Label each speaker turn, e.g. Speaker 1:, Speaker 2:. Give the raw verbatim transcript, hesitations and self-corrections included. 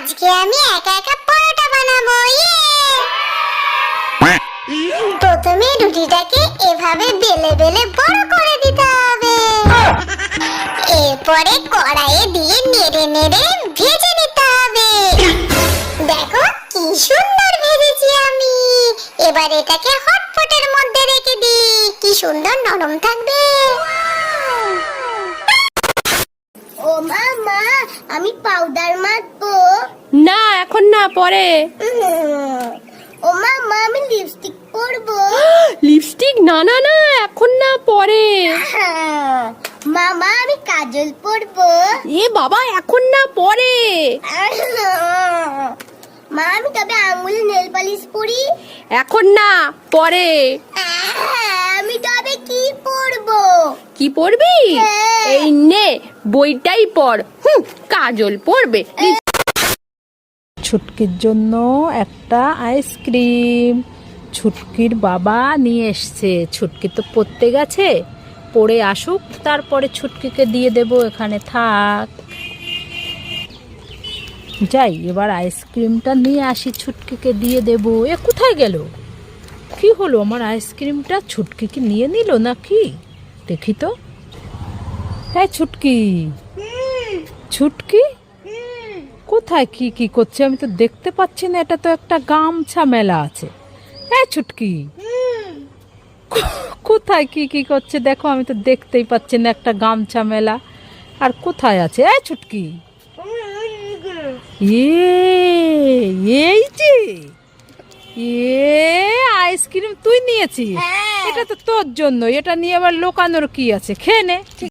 Speaker 1: আজকে আমি একা একা পরোটা বানাবো। ইয়ে! প্রথমে রুটিটাকে এভাবে বেলে বেলে বড় করে দিতে হবে। এরপরে কড়াইয়ে দিয়ে নেড়ে নেড়ে ভেজে নিতে হবে। দেখো কি সুন্দর ভেজেছি আমি। এবার এটাকে হটপটের মধ্যে রেখে দিই, কি সুন্দর নরম থাকবে। ও মা মা, আমি পাউডার মাখবো।
Speaker 2: না এখন না, পরে।
Speaker 1: ও মা মা, আমি লিপস্টিক পরবো।
Speaker 2: লিপস্টিক? না না না, এখন না, পরে।
Speaker 1: মামা আমি কাজল পরবো।
Speaker 2: এ বাবা, এখন না, পরে।
Speaker 1: মা আমি তবে আঙ্গুলে নেল পালিশ পরি।
Speaker 2: এখন না, পরে।
Speaker 1: আমি তবে কি পরবো?
Speaker 2: কি পরবি? এই নে বইটাই পড়। হুম, কাজল পরবে।
Speaker 3: ছুটকির জন্য একটা আইসক্রিম ছুটকির বাবা নিয়ে এসছে। ছুটকি তো পড়তে গেছে, পড়ে আসুক, তারপরে ছুটকিকে দিয়ে দেব। এখানে থাক, যাই এবার আইসক্রিমটা নিয়ে আসি, ছুটকিকে দিয়ে দেব। এ কোথায় গেল? কি হলো আমার আইসক্রিমটা? ছুটকিকে নিয়ে নিল নাকি? দেখি তো। হ্যাঁ ছুটকি, ছুটকি কোথায়? কি কি করছে আমি তো দেখতে পাচ্ছি না। এটা তো একটা গামছা মেলা আছে। হ্যাঁ ছুটকি, কোথায় কি কি করছে দেখো, আমি তো দেখতেই পাচ্ছি না। একটা গামছা মেলা আর কোথায় আছে? এই ছুটকি, এই যে এ আইসক্রিম তুই নিয়েছিস? এটা তো তোর জন্য। এটা নিয়ে আবার লোকানোর কি আছে? খেয়ে নে।